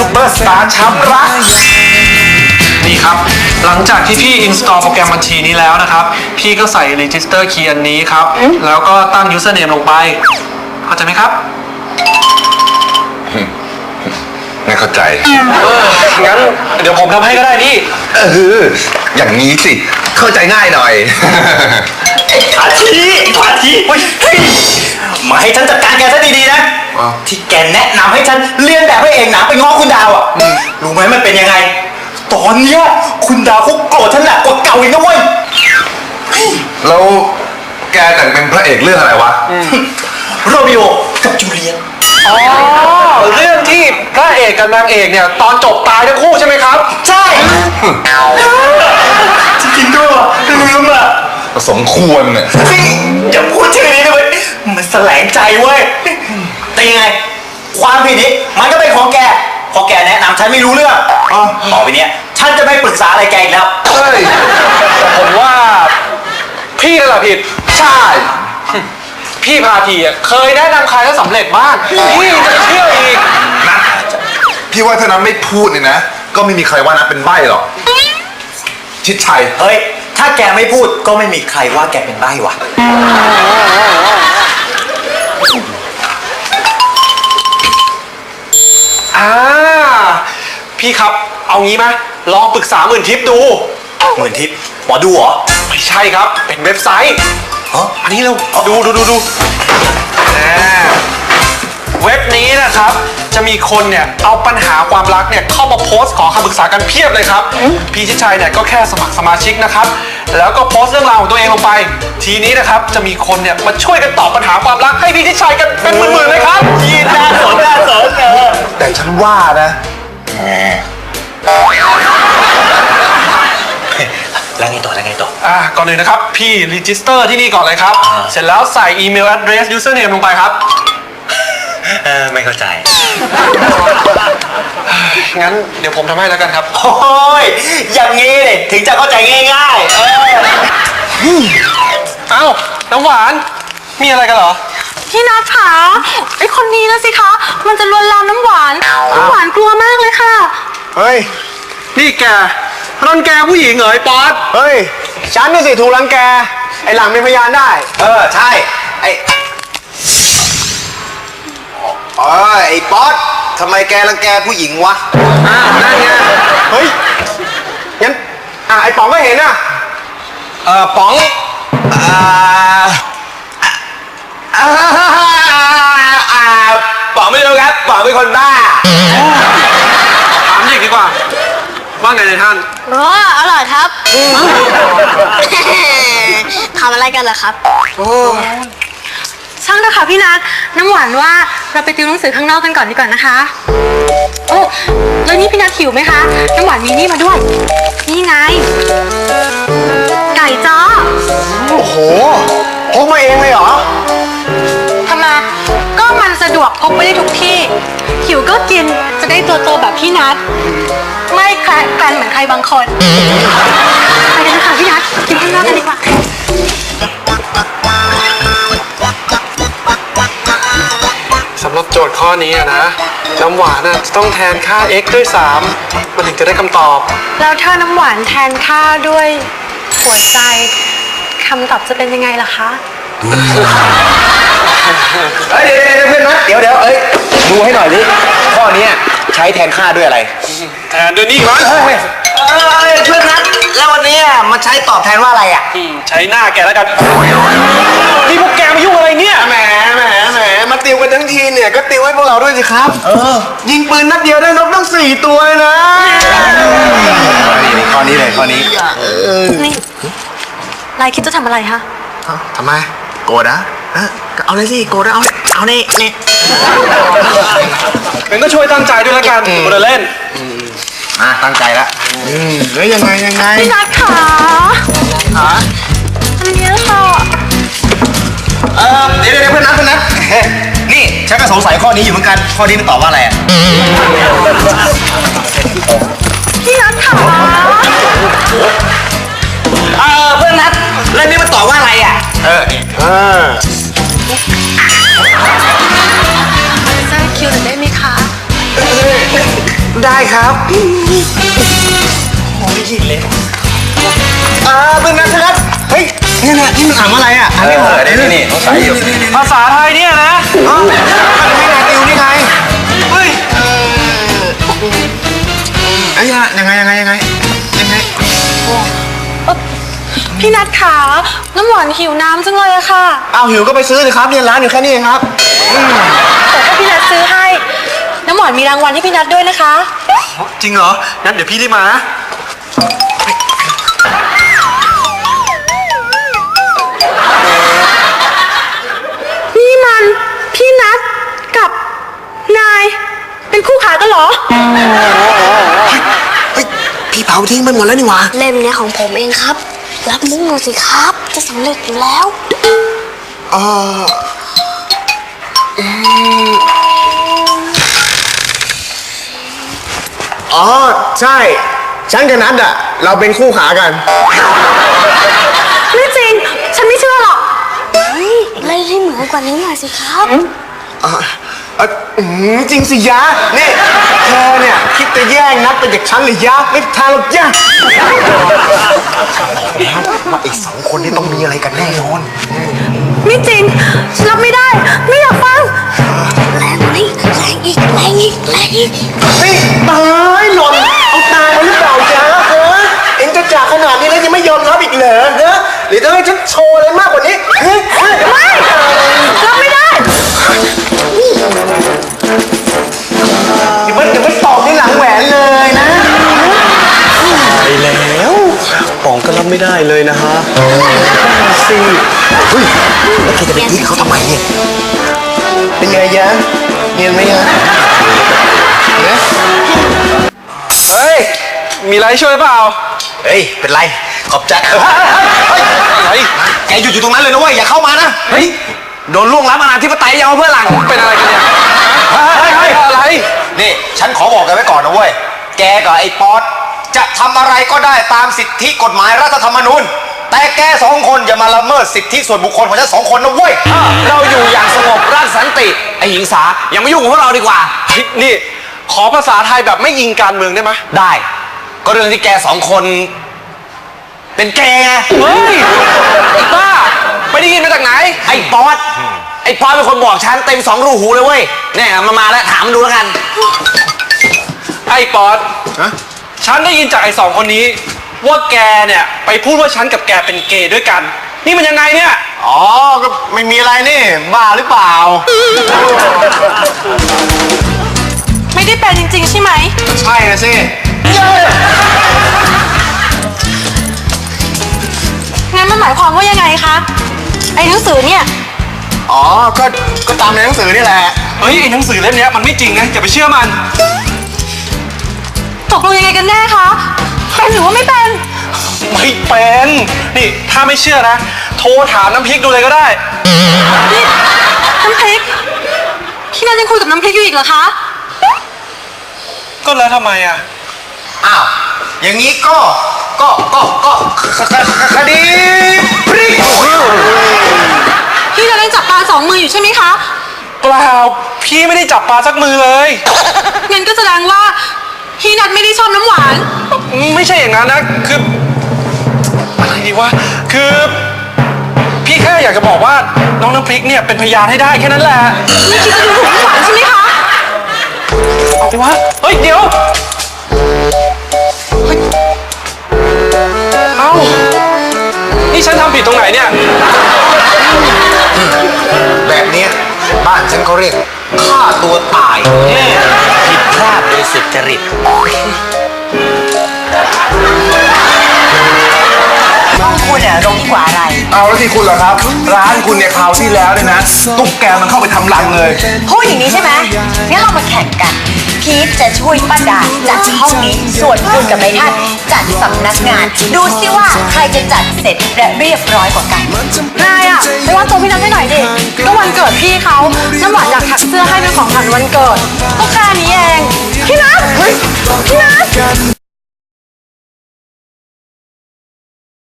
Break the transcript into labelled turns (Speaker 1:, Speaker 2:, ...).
Speaker 1: เปอร์สตาร์ช้ำรักนี่ครับหลังจากที่พี่ install โปรแกรมบัญชีนี้แล้วนะครับพี่ก็ใส่ register key อันนี้ครับแล้วก็ตั้ง username ลงไปเข้าใจไหมครับ
Speaker 2: ไม่เข้าใจ
Speaker 1: งั้นเดี๋ยวผมทำให้ก็ได้นี่
Speaker 2: อย่างนี้สิเข้าใจง่ายหน่อย
Speaker 3: ขวาทีมาให้ฉันจัดการแกซะดีๆนะที่แกแนะนำให้ฉันเรียนแบบให้เองหนังไปง้อคุณดาวอ่ะรู้ไหมมันเป็นยังไงตอนเนี้ยคุณดาวเขาโกรธฉันหนักกว่าเก่าอีกนะเว้ย
Speaker 2: แล้วแกแต่งเป็นพระเอกเรื่องอะไรวะ
Speaker 3: โรมิโอกับจูเลียต
Speaker 1: เรื่องที่พระเอกกับนางเอกเนี่ยตอนจบตายทั้งคู่ใช่ไหมครับ
Speaker 3: ใช่จริงๆด้วยว่ะลืมอ่ะ
Speaker 2: สมควรเนี่ย
Speaker 3: อย่าพูดชื่อนี้เลยมันแสลงใจเว้ยแต่ยังไงความผิดนี้มันก็เป็นของแกพอแกแนะนำฉันไม่รู้เรื่องต่อไปเนี้ยฉันจะไม่ปรึกษาอะไรแกอีกแล้ว
Speaker 1: แต่ผมว่าพี่นั่นแหละผิด
Speaker 2: ใช่
Speaker 1: พี่พาทีเคยแนะนำใครแล้วสำเร็จบ้างพี่จะเชื่ออีก
Speaker 2: นะพี่ว่าถ้านั้นไม่พูดเนี่ยนะก็ไม่มีใครว่านะเป็นใบ้หรอกชิดชัย
Speaker 3: เฮ้ยถ้าแกไม่พูดก็ไม่มีใครว่าแกเป็นใบ้วะ
Speaker 1: พี่ครับเอางี้ไหมลองปรึกษาหมื่นทิปดู
Speaker 3: หมื่นทิปหมอดูเหรอ
Speaker 1: ไม่ใช่ครับเป็นเว็บไซต์อันนี้เราดูเว็บนี้นะครับจะมีคนเนี่ยเอาปัญหาความรักเนี่ยเข้ามาโพสต์ขอคำปรึกษากันเพียบเลยครับพี่ชิดชัยเนี่ยก็แค่สมัครสมาชิกนะครับแล้วก็โพสต์เรื่องราวของตัวเองลงไปทีนี้นะครับจะมีคนเนี่ยมาช่วยกันตอบปัญหาความรักให้พี่ชิดชัยกันเป็นหมื่นๆเลยครับ
Speaker 3: ยีน่าสน
Speaker 2: แต่ฉันว่านะ
Speaker 3: แล้วไงต่อ
Speaker 1: ก่อนเลยนะครับพี่รีจิสเตอร์ที่นี่ก่อนเลยครับเสร็จแล้วใส่อีเมล address username ลงไปครับ
Speaker 3: ไม่เข้าใจ
Speaker 1: งั้นเดี๋ยวผมทำให้แล้วกันครับ
Speaker 3: โอ้ยอย่างงี้เลยถึงจะเข้าใจง่าย
Speaker 1: เอ้าน้ำหวานมีอะไรกันเหรอ
Speaker 4: พี่นัทคะไอคนนี้นะสิคะมันจะลวนลามน้ำหวานกลัวมากเลยค่ะ
Speaker 2: เฮ้ย
Speaker 1: นี่แกรังแกผู้หญิงเหรอไอ้ป๊อต
Speaker 2: เฮ้ยฉันนี่สิถูกรังแกไอ้หลังเป็นพยานได้
Speaker 3: ใช่ไอ้ป๊อตทำไมแกรังแกผู้หญิงวะ
Speaker 1: นั่นไง
Speaker 2: เฮ้ยงั้นไอ้ป๋องก็เห็นอ่ะ
Speaker 3: ป๋องป๋องไม่รู้ครับป๋องเป็นคนบ้า
Speaker 1: ถามอีกดีกว่าว่าไงท่าน
Speaker 4: อร่อยครับทำอะไรกันเหรอครับช่างเถอะค่ะพี่นัทน้ำหวานว่าเราไปติวหนังสือข้างนอกกันก่อนดีกว่านะคะโอ้แล้วนี่พี่นัทหิวไหมคะน้ำหวานมีนี่มาด้วยนี่ไงไก่จ้อ
Speaker 2: โอ้โหพกมาเองเลยเหรอ
Speaker 4: ทำไมก็มันสะดวกพกไปได้ทุกที่หิวก็กินจะได้ตัวโตแบบพี่นัทไม่แคร์กันเหมือนใครบางคนไปกันค่ะพี่นัทกินข้างนอกกันดีกว่า
Speaker 1: สำหรับโจทย์ข้อนี้นะน้ำหวานจะต้องแทนค่า x ด้วย3มันถึงจะได้คำตอบ
Speaker 4: แล้วถ้าน้ำหวานแทนค่าด้วยหัวใจคำตอบจะเป็นยังไงล่ะคะ
Speaker 3: เพื่อนนะเดี๋ยวดูให้หน่อยดิข้อนี้ใช้แทนค่าด้วยอะไร
Speaker 1: แทนด้วยนี่มั้ง
Speaker 3: เพื่อนนัทแล้ววันนี้มันใช้ตอบแทนว่าอะไรอ่ะ
Speaker 1: ใช้หน้าแกแล้วกันนี่พวกแกมายุ่งอะไรเนี่ย
Speaker 2: แหมมาติวกันทั้งทีเนี่ยก็ติวให้พวกเราด้วยสิครับยิงปืนนัดเดียวได้นกตั้ง4 ตัวนะข้อนี้เลยนี่
Speaker 4: นายคิดจะทำอะไรฮะ
Speaker 2: ทำไมโกรธนะเอาเลยสิโกรธเอานี่
Speaker 1: งั้นก็ช่วยตั้งใจด้วยละกันโมเดลเล่น
Speaker 2: ตั้งใจละแล้วยังไง
Speaker 4: พี่นัทขาอันนี้ค่ะ
Speaker 3: เดี๋ยวเพื่อนนัทนี่ฉันก็สงสัยข้อนี้อยู่เหมือนกันข้อนี้มันตอบว่าอะไร
Speaker 4: พี่นัทขา
Speaker 3: เพื่อนนัทเรื่องนี้มันตอบว่าอะไร
Speaker 4: จะคิวหน่อยได้ไหมคะ
Speaker 2: ได้ครับ
Speaker 3: โอ้ยยินเลย
Speaker 2: เป็นนัดเฮ้ยนี่นะนี่มันอ่านว่าอะไรอ่ะอ่านไม่ออก
Speaker 3: นี่ต้องใส่อยู่
Speaker 1: ภาษาไทยเนี่ยนะ
Speaker 2: มันไม่นายติวนี่ไง
Speaker 1: เฮ้ย
Speaker 2: ไอ้ยังไง
Speaker 4: พี่นัทขาน้ำหวานหิวน้ำจังเลยอะค่ะ
Speaker 2: เอาหิวก็ไปซื้อเลยครับเนี่ยร้านอยู่แค่นี้เองครับ
Speaker 4: แต่ถ้าพี่นัทซื้อให้ น้ำหวานมีรางวัลให้พี่นัทด้วยนะคะ
Speaker 1: จริงเหรอ งั้นเดี๋ยวพี่รีบมานะ
Speaker 4: นี่มันพี่นัทกับนาย เป็นคู่ขากันเหรอ
Speaker 2: เฮ้ยพี่เผาทิ้งไปหมดแล้วนี่หว่า
Speaker 5: เล่มเนี้ยของผมเองครับ รับมุกหน่อยสิครับ จะสำเร็จอยู่แล้ว
Speaker 2: อ๋อใช่ฉันกับนัดอ่ะเราเป็นคู่ขากัน
Speaker 4: ไม่จริง ฉันไม่เชื่อหรอก
Speaker 5: เล่นให้เหมือนกว่านี้หน่อยสิครับ
Speaker 2: จริงสิยะนี่เธอเนี่ยคิดจะแย่งนัดไปจากฉันหรือยะไม่ทางหรอกยะว่าอีกสองคนนี่ต้องมีอะไรกันแน่นอน
Speaker 4: ไม่จริง ฉันรับไม่ได้ ไม่อยากฟัง
Speaker 5: แรงกว่านี้แรงอีกแรงอีกแรงอีก
Speaker 2: นี่ตายหล่นเอาตายมาหรือเปล่าจ๊ะฮะเอ็งจะจากขนาดนี้แล้วยังไม่ยอมรับอีกเหรอฮะหรือจะให้ฉันโชว์อะไรมากกว่านี้ฮะ
Speaker 4: ไม่รับไม่ได้
Speaker 2: อย่ามาตอบในหลังแหวนเลยนะไปแล้วป๋องก็รับไม่ได้เลยนะฮะสิเฮ้ยแล้วแกจะไปทิ้งเขาทำไมเนี่ยเป็นไงยะเนียนไหมยะเนี่ย
Speaker 1: เฮ้ย มีอะไรช่วยเปล่า
Speaker 3: เฮ้ยเป็นไรขอบใจ
Speaker 1: อะไร
Speaker 3: แกหยุดอยู่ตรงนั้นเลยนะเว้ยอย่าเข้ามานะเฮ้ยโดนล่วงล้ำอนาธิปไตยยังเอาเพื่อนหลัง
Speaker 1: เป็นอะไรกันเนี่ย
Speaker 3: เฮ้ย
Speaker 1: อะไร
Speaker 3: นี่ฉันขอบอกกันไว้ก่อนนะเว้ยแกกับไอ้ป๊อตจะทำอะไรก็ได้ตามสิทธิกฎหมายรัฐธรรมนูญแต่แกสองคนอย่ามาละเมิดสิทธิส่วนบุคคลของฉันสองคนนะเว้ย
Speaker 6: เราอยู่อย่างสงบราชสันติไอหิงสาอย่ามายุ่งกับพวกเราดีกว่า
Speaker 1: นี่ ขอภาษาไทยแบบไม่ยิงการเมืองได้ไหม
Speaker 6: ได้ ก็เรื่องที่แกสองคนเป็นแกไง
Speaker 1: เฮ้ยไอ้บ้า ไปได้ยินมาจากไหน
Speaker 6: ไอ้ป๊อตเป็นคนบอกฉันเต็มสองรูหูเลยเว้ยเนี่ยมาแล้วถามมันดูแล้วกัน
Speaker 1: ไอ้ป๊อตฉันได้ยินจากไอ้สองคนนี้ ว่าแกเนี่ยไปพูดว่าฉันกับแกเป็นเกย์ด้วยกัน นี่มันยังไงเนี่ย
Speaker 2: อ๋อก็ไม่มีอะไรนี่บ้าหรือเปล่า
Speaker 4: ไม่ได้เป็นจริงๆใช่ไหม
Speaker 2: ใช่นะสิ
Speaker 4: งั้นมันหมายความว่ายังไงคะ ไอ้หนังสือเนี่ย
Speaker 2: อ๋อก็ตามในหนังสือนี่แหละ
Speaker 1: เฮ้ยไอ้หนังสือเล่มเนี้ยมันไม่จริงนะอย่าไปเชื่อมัน
Speaker 4: ตกลงยังไงกันแน่คะ เป็นหรือว่าไม่เป็น
Speaker 1: ไม่เป็น นี่ถ้าไม่เชื่อนะ โทรถามน้ำพริกดูเลยก็ได้
Speaker 4: นี่น้ำพริก พี่นัทยังคุยกับน้ำพริกอยู่อีกเหรอคะ
Speaker 1: ก็แล้วทำไมอ่ะ
Speaker 3: อ้าวอย่างนี้ก็คดีพริก
Speaker 4: พี่นัทยังจับปลาสองมืออยู่ใช่ไหมคะ
Speaker 1: เปล่า พี่ไม่ได้จับปลาสักมือเลย
Speaker 4: งั้นก็แสดงว่าพี่นัทไม่ได้ชอบน้ำหวาน
Speaker 1: ไม่ใช่อย่างนั้นนะ คืออะไรดีวะ คือ พี่แค่อยากจะบอกว่าน้องน้ำพริกเนี่ยเป็นพยานให้ได้แค่นั้นแหละ
Speaker 4: ไม่คิดจะดูถูกน้ำหวานใช่ไหมคะ
Speaker 1: เอาดิวะ เฮ้ย เดี๋ยว เฮ้ย เอ้า นี่ฉันทำผิดตรงไหนเนี่ย
Speaker 3: แบบเนี้ยบ้านฉันเขาเรียกฆ่าตัวตาย
Speaker 6: ผิดพลาดโดยสุจริต
Speaker 7: คุณเนี่ยรงกว่าอะไร
Speaker 2: เอาแล้วที่คุณเหรอครับ ร้านคุณเนี่ยคราวที่แล้วเนี่ยนะตุ๊กแกมันเข้าไปทำรังเลย
Speaker 7: พูดอย่างนี้ใช่ไหมงั้นเรามาแข่งกัน พีทจะช่วยป้าดาจัดห้องนี้ ส่วนคุณกับนายท่านจัดสำนักงาน ดูสิว่าใครจะจัดเสร็จและเรียบร้อยกว่ากัน
Speaker 4: นายอะไปว่าตัวพี่นัทให้หน่อยดิ ก็วันเกิดพี่เขา น้ำหวานอยากถักเสื้อให้เป็นของขวัญวันเกิด ก็แค่นี้เอง พี่นัทพี่นัท